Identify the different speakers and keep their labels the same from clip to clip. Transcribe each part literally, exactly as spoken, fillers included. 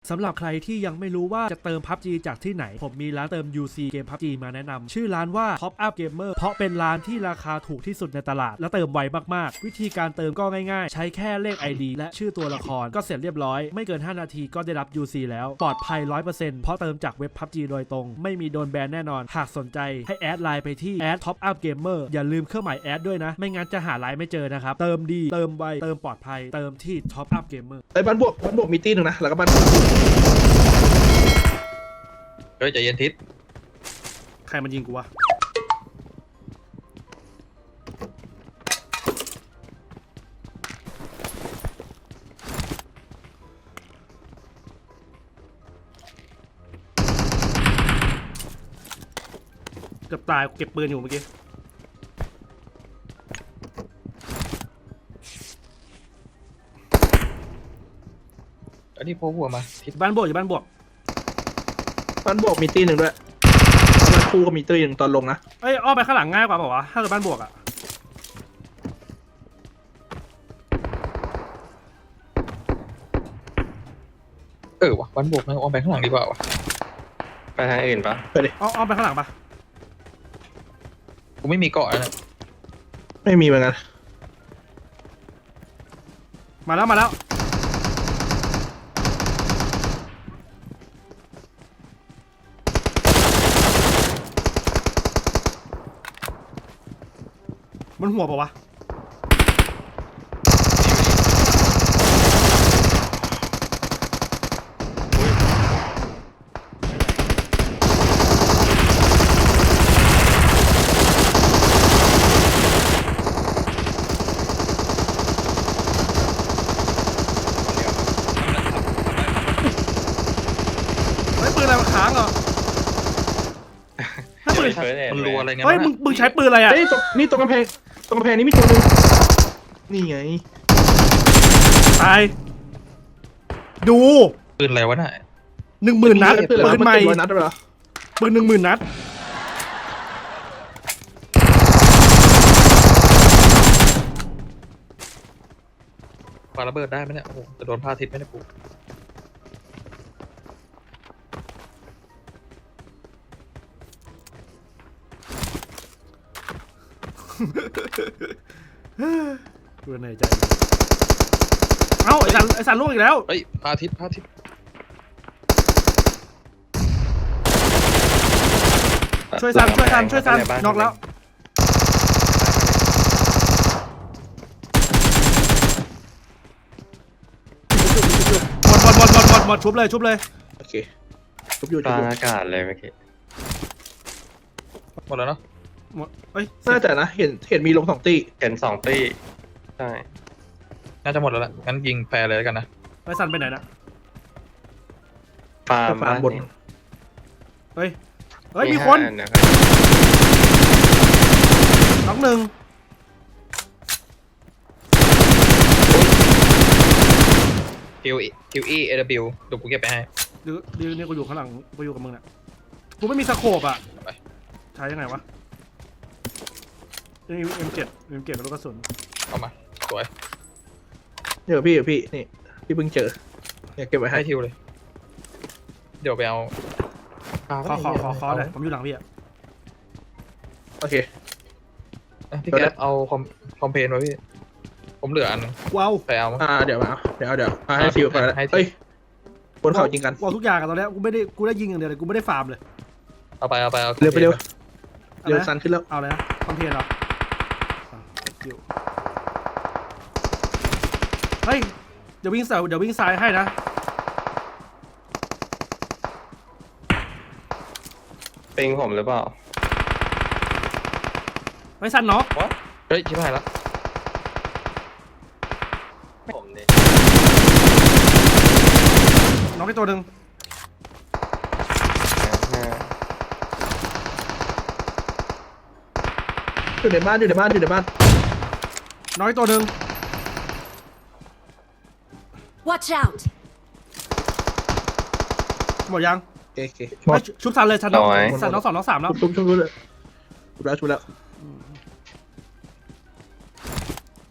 Speaker 1: สำหรับใครที่ยังไม่รู้ว่าจะเติม พับจี จากที่ไหนผมมีร้านเติม ยู ซี เกม พับจี มาแนะนำชื่อร้านว่า Top Up Gamer เพราะเป็นร้านที่ราคาถูกที่สุดในตลาดและเติมไวมากๆวิธีการเติมก็ง่ายๆใช้แค่เลข ไอ ดี และชื่อตัวละครก็เสร็จเรียบร้อยไม่เกินห้านาทีก็ได้รับ ยู ซี แล้วปลอดภัย ร้อยเปอร์เซ็นต์ เพราะเติมจากเว็บ พับจี โดยตรงไม่มีโดนแบนแน่นอนหากสนใจให้แอดไลน์ไปที่ แอด Top Up Gamer อย่าลืมเครื่องหมายแอดด้วยนะไม่งั้นจะหาไลน์ไม่เจอนะครับเติมดีเติมไวเติมปลอดภัยเติมที่ Top Up Gamer
Speaker 2: ไอ้บ้านบวกบ้านบวกมีตีหนึ่งนะแล้วก็บ้าน
Speaker 3: เฮ้ยใจเย็นทิศ
Speaker 1: ใครมันยิงกูวะเกือบตายเก็บปืนอยู่เมื่อกี้
Speaker 3: อันนี้โผล่หัวมาทิศ
Speaker 1: บ้านบวกอยู่บ้านบวก
Speaker 2: บ้านบวกมีตีหนึ่งด้วยบ้านคู่ก็มีตีหนึ่งตอนลงนะ
Speaker 1: เอ้ยอ้อมไปข้างหลังง่ายกว่าเปล่าวะถ้าเกิดบ้านบวกอะ
Speaker 3: เออวะบ้านบวกนะอ้อมไปข้างหลังดีกว่าวะไปทางอื่นปะ
Speaker 2: ไปดิ
Speaker 1: อ้อมอ้อมไปข้างหลังปะ
Speaker 3: กูไม่มีเกาะนะ
Speaker 2: ไม่มีเหมือนกัน
Speaker 1: มาแล้วมาแล้วมันหัวเปล่าวะเฮ้ยปืนอะไรมันค้างเหรอถ้าปืน
Speaker 3: มันรัวอะไรเงี้ย
Speaker 1: เฮ้ยมึงมึงใช้ปืนอะไรอ่ะ
Speaker 2: เฮ้ยตรงนี่ตรงกำแพงตรงกำแพงนี้มีตัวหนึงนี่ไง
Speaker 1: ตายดู
Speaker 3: ปืนอะไรวะน่ะ
Speaker 1: หนึ่งหมื่นนัด
Speaker 2: ปืน
Speaker 1: ปืนใหม่
Speaker 2: นัดด้วยเหรอ
Speaker 1: ปืนหนึ่งหมื่นนัด
Speaker 3: ปาระเบิดได้ไหมเนี่ยโอ้โหจะโดนพาทิศไหมเนี่ยกู
Speaker 1: ปืนไหนใจเอ้าไอ้สันไอ้สันลูกอีกแล้ว
Speaker 3: เฮ้ยพาทิศพาทิศ
Speaker 1: ช่วยสันช่วยสันช่วยสันนอกแล้วหมดหมดหมดหมดหมดหมดชุบเลยชุบเลย
Speaker 2: โอเคทุบอยู่
Speaker 4: ก
Speaker 2: ทุบ
Speaker 4: ลาง
Speaker 2: อยู่
Speaker 4: อากาศเลยเมื่อกี้
Speaker 3: หมดแล้วเนาะ
Speaker 1: หมดเอ้ย
Speaker 2: น่าจะนะเห็นเห็นมีลงสองตี
Speaker 4: เห็นสองตี้ใช่
Speaker 3: น่าจะหมดแล้วล่ะงั้นยิงแฟร์เลยแล้วกันนะ
Speaker 1: ไอ้สันไปไหนนะ
Speaker 4: ฟาร์ม
Speaker 2: ฟาร์มบน
Speaker 1: เฮ้ยเฮ้ยมีคน
Speaker 4: ห้านะครับ
Speaker 1: น้องหนึ่ง
Speaker 3: คิวคิวอีเอเดบิวเดี๋ยวกูเก็บไปให้
Speaker 1: ดื้อดื้อเนี่ยกูอยู่ข้างหลังกูอยู่กับมึงเนี่ยกูไม่มีสโคปอ่ะใช้ยังไงวะเอ็มเจ็ดเอ็มเจ็ดกับลูกกระสุน
Speaker 3: เอามาสวย
Speaker 2: เดี๋ยวพี่เดี๋ยวพี่นี่พี่เพิ่งเจอเนี่ยเก็บไว้ให้
Speaker 3: ให้ทิวเลย เดี๋ยวไปเอา
Speaker 1: ขอขอขอขอเลยผมอยู่หลังพี่อ่ะ
Speaker 2: โอเค
Speaker 3: อ่ะพี่แก๊สเอาคอมคอมเพลนไว้พี่ผมเหลืออันนึง
Speaker 1: ว้าว
Speaker 3: ไปเอามา
Speaker 2: อ่าเดี๋ยวมาเดี๋ยวเดี๋ยวอ่าให้ฟิวไปแล้ว
Speaker 3: ให้ฟิว
Speaker 2: เฮ้ยบนเขายิงกัน
Speaker 1: ว้าวทุกอย่างอะตอนนี้กูไม่ได้กูได้ยิงอย่างเดียวเลยกูไม่ได้ฟาร์มเลย
Speaker 3: เอาไปเอาไปเอา
Speaker 2: เร็วไปเร็ว
Speaker 1: อะไรนะ
Speaker 2: เร็วซันขึ้นแล้ว
Speaker 1: เอาเลยนะคอมเพลนเหรออ่ะคิวเฮ้ยเดี๋ยววิ่งซ้ายเดี๋ยววิ่งซ้ายให้นะ
Speaker 4: ปิงผมหรือเปล่า
Speaker 1: ไม่สั้นเนาะ
Speaker 3: วะเฮ้ยชิบหายแล้ว
Speaker 4: ผมนี่
Speaker 1: น้องไปตัวหนึ่ง
Speaker 4: ห้า
Speaker 2: อยู่ในบ้านอยู่ในบ้านอยู่ในบ้าน
Speaker 1: น้องไปตัวหนึ่ง
Speaker 5: Watch out!
Speaker 1: หมดยัง
Speaker 2: โอเคโอเค
Speaker 3: หมด
Speaker 1: เฮ้ยชุบสันเลยสันน้องสันน้องสองน้องสามแล้ว
Speaker 2: ชุบชุบชุบเลยชุบแล้วชุบแล้ว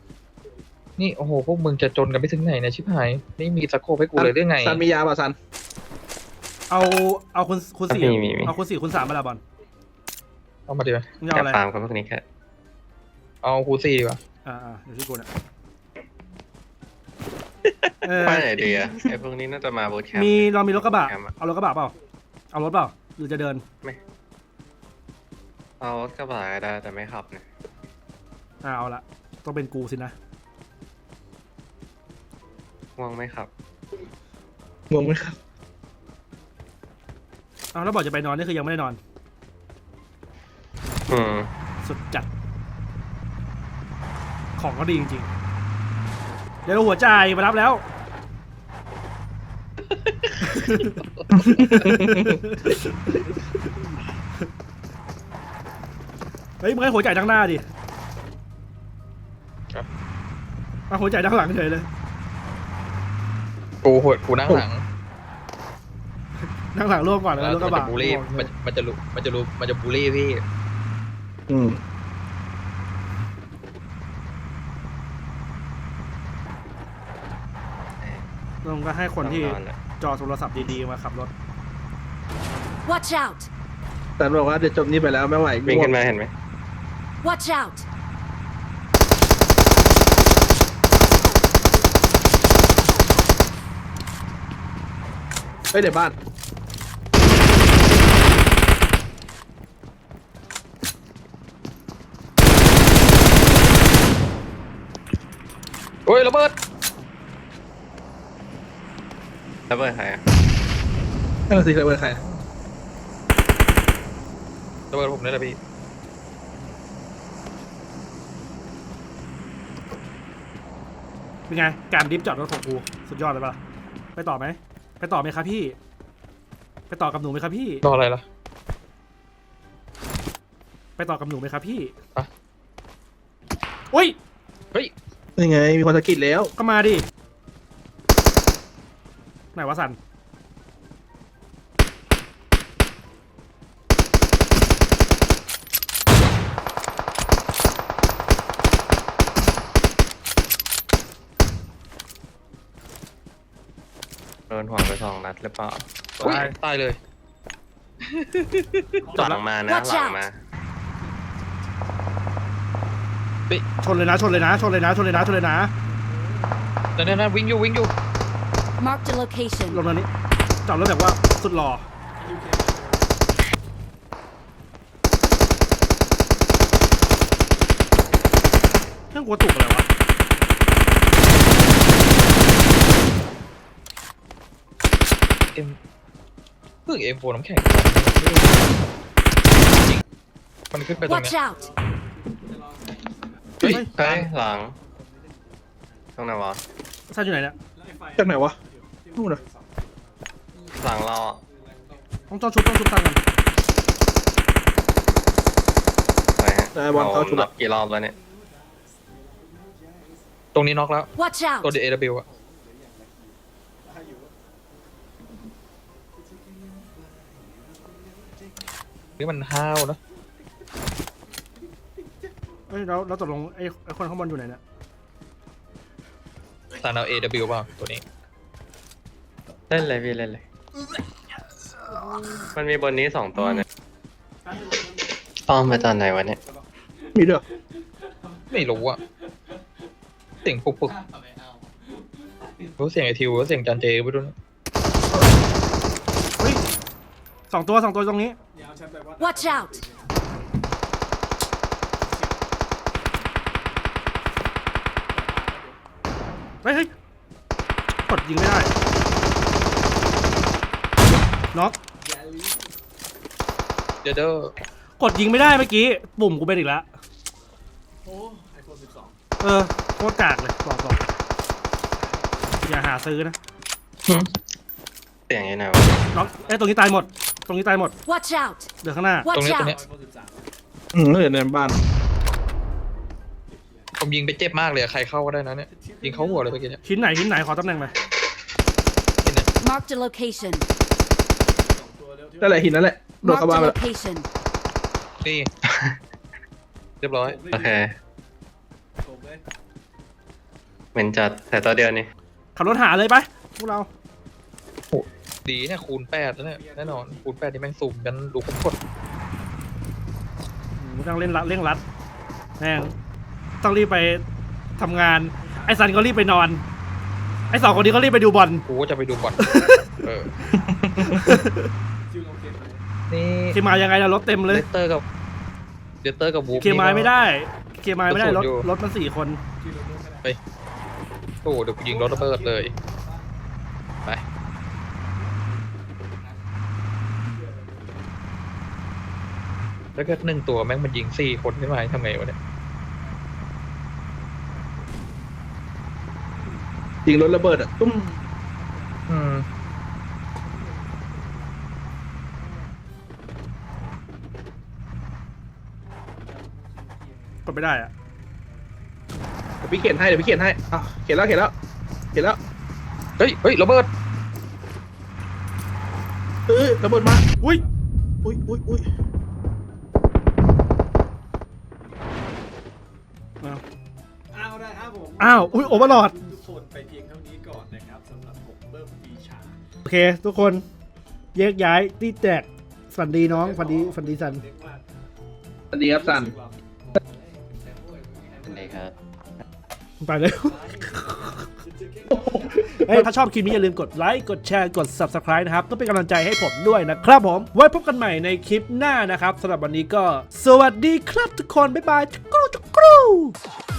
Speaker 3: นี่โอ้โหพวกมึงจะจนกันไปถึงไหนเนี่ยชิบหายนี่มีสโคปให้กูเลยเรื่องไง
Speaker 2: ซันมียาป่ะซัน
Speaker 1: เอาเอาคุณคุณสี่
Speaker 4: มีมีมี
Speaker 1: เอาคุณสี่คุณสามมาละบอล
Speaker 3: เอามาดีไหม
Speaker 1: มึงจะ
Speaker 4: อ
Speaker 1: เอา
Speaker 4: ยาก
Speaker 1: อะไร
Speaker 4: ฟาร์มกับพวกนี้แค่
Speaker 3: เอาคูซี่ดีกว่า
Speaker 1: อ่าอ่าเดี๋ยวที่กูเนี่ยเออ
Speaker 4: ไปไหนดีอะไอพวกนี้น่าจะมาบูทแคมป์
Speaker 1: มีเรามีรถกระบะ
Speaker 4: แคมป์อ
Speaker 1: เอารถกระบะเปล่าเอารถเปล่าหรือจะเดิน
Speaker 4: เอารถกระบะก็ได้แต่ไม่ขับเนี่ย
Speaker 1: อ่าเอาละต้องเป็นกูสินะ
Speaker 4: ง่วงไม่ขับ
Speaker 2: งงไหมครับ
Speaker 1: เอาแล้วบอกจะไปนอนนี่คือยังไม่ได้นอน
Speaker 4: อืม
Speaker 1: สุดจัด ของก็ดีจริงๆ เดี๋ยวหัวใจายมารับแล้ว เฮ้ยมึงให้หัวใจายทั้งหน้าดิเอาหัวใจายทั้งหลังเฉยเลย
Speaker 3: กูหดกูนั่งหลัง
Speaker 1: นั่งหลังร่วมก่อนแล้ว
Speaker 3: แล้ว
Speaker 1: รถก
Speaker 3: มัน
Speaker 1: ระ
Speaker 3: จะ
Speaker 1: บะ
Speaker 3: บูลลี่มันมันจะรู้มันจะรู้มันจะบูลลี่พี่
Speaker 2: อืม
Speaker 1: ลงก็ให้คนที่
Speaker 4: ต้องนอนอะ
Speaker 1: จอโทรศัพท์ดีๆมาขับรถ
Speaker 5: Watch out!
Speaker 2: แต่บอกว่าเดี๋ยวจบนี้ไปแล้วไม่ไหว
Speaker 4: วิ่งขึ้นมาเห็นไหม
Speaker 5: Watch out!
Speaker 2: เฮ้ยเดี๋ยวบ้าน
Speaker 3: โอ้ยระเบิด
Speaker 4: แล้วเบอร์ใครอะ
Speaker 2: นั่นนะสิเคยเป็นใคร
Speaker 3: ระเบิดผมนี่แหละพี่
Speaker 1: เป็นไง การดิฟจอดรถของกูสุดยอดเลยปะล่ะไปต่อไหม ไปต่อไหมครับพี่ ไปต่อกับหนูไหมครับพี่
Speaker 3: รออะไรล่ะ
Speaker 1: ไปต่อกับหนูไหมครับพี่
Speaker 3: อะ
Speaker 1: อุ้ย
Speaker 3: เฮ้ย
Speaker 2: ยังไงมีคนสะกิดแล้ว
Speaker 1: ก็มาดิ ไหนวะสัน
Speaker 4: โดนหัวไปสองนัดหรือเปล่า
Speaker 3: อุ๊ยตายเลย
Speaker 1: จบ
Speaker 4: ห
Speaker 1: แล้
Speaker 4: ลั
Speaker 1: ว
Speaker 4: งมานะ
Speaker 5: Watch
Speaker 4: หลัง
Speaker 5: out
Speaker 4: มา
Speaker 1: ชนเลยนะ ชนเลยนะ ชนเลยนะ ชนเลยนะ ชนเลยนะ
Speaker 3: นั่นนั่นวิ่งอยู่วิ่งอยู่
Speaker 5: Marked a location.
Speaker 1: ลงตรงนี้ จอดรถแบบว่าสุดหล่อเครื่องกลัวตุกอะไรวะ
Speaker 3: เอ็มเพิ่งเอ็มโฟน้ำแข็งมันขึ้นไปตรง
Speaker 5: Watch
Speaker 3: เนี้ย
Speaker 5: out!
Speaker 3: เฮ้ย
Speaker 4: เฮ้ยหลังตรงไหนวะ
Speaker 1: สันอยู่ไหนเนี่ย
Speaker 2: จากไหนวะนู่นนะ
Speaker 4: หลังเราอะ
Speaker 1: ต้องจอดชุบต้องชุบตังกัน
Speaker 4: ไปฮะ
Speaker 2: ได้บอลเขาชุด
Speaker 4: นั
Speaker 2: อะ
Speaker 4: บกี่รอบแล้วเนี่ย
Speaker 3: ตรงนี้น็อกแล้ว
Speaker 5: Watch out!
Speaker 3: ตัวเดอะอะนี่มันห้าวนะ
Speaker 1: เฮ้ยแล้วแล้วตกลงไอ้ไอ้คนข้างบนอยู่ไหนเนี่ย
Speaker 3: สารเอา เอ ดับเบิลยู เปล่าตัวนี้
Speaker 4: เล่นเลยพี่เล่นเลย มันมีบนนี้สองตัวเนี่ยป้อมไปตอนไหนวะเนี่ย
Speaker 2: มีด้วยเหรอ
Speaker 3: ไม่รู้อะเสียงปุกปุกรู้เสียงไอทิวรู้เสียงจันเจไปด้วยนะ
Speaker 1: เฮ้ยสองตัวสองตัวตรงนี้
Speaker 5: Watch out!
Speaker 1: เฮ้ยเฮ้ยกดยิงไม่ได้น็อก
Speaker 3: เดยวเด้อก
Speaker 1: ดยิงไม่ได้เมื่อกี้ ปุ่มกูเป็นอีกแล้วเออโคตรกากเลยบอกบอกอย่าหาซื้อนะ
Speaker 4: เสียงยังไงวะ
Speaker 1: น็อกเอ้ยตรงนี้ตายหมด ตรงนี้ตายหมด
Speaker 5: Watch out!
Speaker 1: เดี๋ยวข้างหน้า
Speaker 3: ตรง
Speaker 5: Watch
Speaker 3: นี้ตรงนี้
Speaker 5: out!
Speaker 2: อืมเหลือในบ้าน
Speaker 3: ผมยิงไปเจ็บมากเลยอะใครเข้าก็ได้นะเนี่ยยิงเข้าหัวเลยเมื่อกี้เนี่ย
Speaker 1: ชิ้นไหนชิ้นไหนขอตำแหน่งหน่อย
Speaker 3: เห็นเนี่ย
Speaker 5: Marked a location.
Speaker 2: นั่นแหละหินนั่นแหละโดด
Speaker 5: Marked
Speaker 2: เข้าบ้าน
Speaker 5: a
Speaker 2: ไปแล้ว
Speaker 5: location.
Speaker 3: นี่ เรียบร้อย
Speaker 4: โอเคเหมือนจัดแต่ตัวเดียวนี่
Speaker 1: ขับรถหาเลยไปพวกเรา
Speaker 3: ดีเนี่ยคูณแปดแล้วเนี่ยแน่นอนคูณแปดที่แม่งสุ่มกันดูคุ้มกด
Speaker 1: กูต้องเล่นรัดเร่งรัดแม่งต้องรีบไปทำงานไอ้ซันก็รีบไปนอนไอ้สองคนนี้ก็รีบไปดูบอล
Speaker 3: กูก็จะไปดูบอลเออนี่
Speaker 1: เคมายยังไงล่ะรถเต็มเลย
Speaker 3: เลสเตอร์กับเลสเตอร์กับวูฟ
Speaker 1: เคมายไม่ได้เคมายไม่ได้รถ
Speaker 3: อยู่
Speaker 1: รถมันสี่คน
Speaker 3: โอ้โหเดี๋ยวกูยิงรถระเบิดเลยไปแล้วก็หนึ่งตัวแม่งมันยิงสี่คนขึ้นมาทำไงวะเนี่ย
Speaker 2: ยิงรถระเบิดอ่ะตุ้ม
Speaker 3: อืม
Speaker 1: กดไม่ได้อะ
Speaker 2: เดี๋ยวพี่เขียนให้เดี๋ยวพี่เขียนให้อ้าวเขียนแล้วเขียนแล้วเขียนแล้ว
Speaker 3: เฮ้ยเฮ้ยระเบิด
Speaker 2: เออระเบิดมา
Speaker 1: อุ้ย
Speaker 2: อุ้ยอุ้ยอุ้ย
Speaker 1: อ้าว
Speaker 4: อ้าวได้ครับผม
Speaker 1: อ้าวอุ้ยโอเวอร์ลอด
Speaker 4: ทุกคนไปเพียงเท่านี้ก่อนนะครับสำหรับผมเบิ้มปีชา
Speaker 1: โอเค ทุกคนแยกย้ายตีแตกฝันดีน้องฝันดีฝันดีสัน
Speaker 4: เรียกว่า
Speaker 2: สวัสดีครับซัน
Speaker 6: เลยครับ
Speaker 1: ไปเลย เฮ้ยถ้าชอบคลิปนี้อย่าลืมกดไลค์กดแชร์กด ซับสไครบ์ นะครับก็เป็นกำลังใจให้ผมด้วยนะครับผม ไว้พบกันใหม่ในคลิปหน้านะครับสำหรับวันนี้ก็ สวัสดีครับทุกคน บ๊ายบายจุกรูจุกรู